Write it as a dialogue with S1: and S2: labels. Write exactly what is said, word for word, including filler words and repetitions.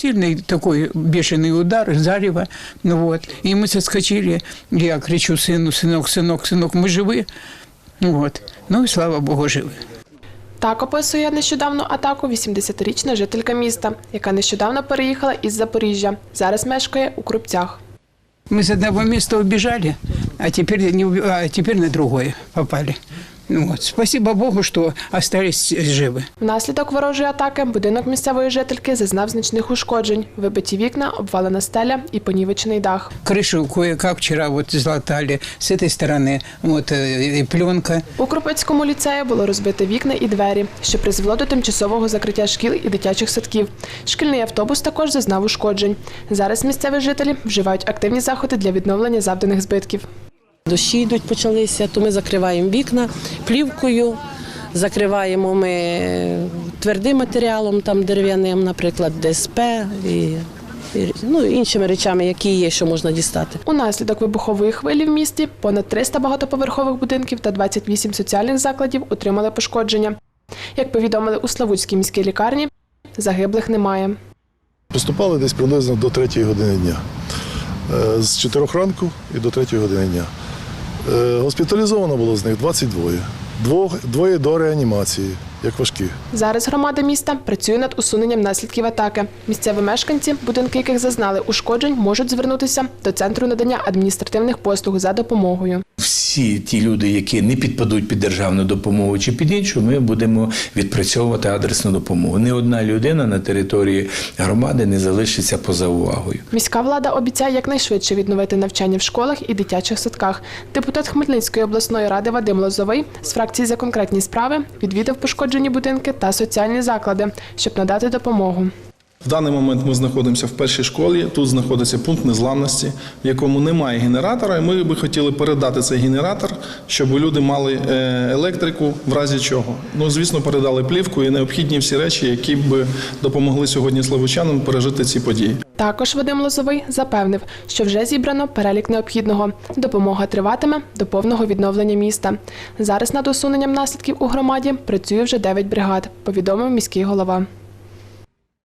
S1: сильный такой бешеный удар, зарево. Ну, вот. И мы соскочили. Я кричу сыну: сынок, сынок, сынок, мы живы. Вот. Ну и слава Богу, живы.
S2: Так описує нещодавну атаку вісімдесятирічна жителька міста, яка нещодавно переїхала із Запоріжжя. Зараз мешкає у Крупцях.
S1: Мы с одного места убежали, а теперь, не, уб- а теперь на другое попали. Ну, вот. Спасибо Богу, что остались живы.
S2: Внаслідок ворожої атаки будинок місцевої жительки зазнав значних ушкоджень. Вибиті вікна, обвалена стеля і понівечений дах.
S1: Крышу кое-как вчера вот залатали с этой стороны, вот э, и пленка.
S2: У Кропицькому ліцеї було розбите вікна і двері, що призвело до тимчасового закриття шкіл і дитячих садків. Шкільний автобус також зазнав ушкоджень. Зараз місцеві жителі вживають активні заходи для відновлення завданих збитків.
S3: Дощі йдуть, почалися, то ми закриваємо вікна плівкою, закриваємо ми твердим матеріалом, там дерев'яним, наприклад, ДСП і, і ну, іншими речами, які є, що можна дістати.
S2: Унаслідок вибухової хвилі в місті понад триста багатоповерхових будинків та двадцять вісім соціальних закладів отримали пошкодження. Як повідомили у Славутській міській лікарні, загиблих немає.
S4: Поступали десь приблизно до третьої години дня. Е, З чотирьох ранку і до третьої години дня. Е, Госпіталізовано було з них двадцять два. Двох, двоє до реанімації, як важкі.
S2: Зараз громада міста працює над усуненням наслідків атаки. Місцеві мешканці, будинки яких зазнали ушкоджень, можуть звернутися до Центру надання адміністративних послуг за допомогою.
S5: Всі ті люди, які не підпадуть під державну допомогу чи під іншу, ми будемо відпрацьовувати адресну допомогу. Ні одна людина на території громади не залишиться поза увагою.
S2: Міська влада обіцяє якнайшвидше відновити навчання в школах і дитячих садках. Депутат Хмельницької обласної ради Вадим Лозовий з фракції «За конкретні справи» відвідав пошкоджені будинки та соціальні заклади, щоб надати допомогу.
S6: В даний момент ми знаходимося в першій школі, тут знаходиться пункт незламності, в якому немає генератора, і ми би хотіли передати цей генератор, щоб люди мали електрику, в разі чого. Ну, звісно, передали плівку і необхідні всі речі, які б допомогли сьогодні славутчанам пережити ці події.
S2: Також Вадим Лозовий запевнив, що вже зібрано перелік необхідного. Допомога триватиме до повного відновлення міста. Зараз над усуненням наслідків у громаді працює вже дев'ять бригад, повідомив міський голова.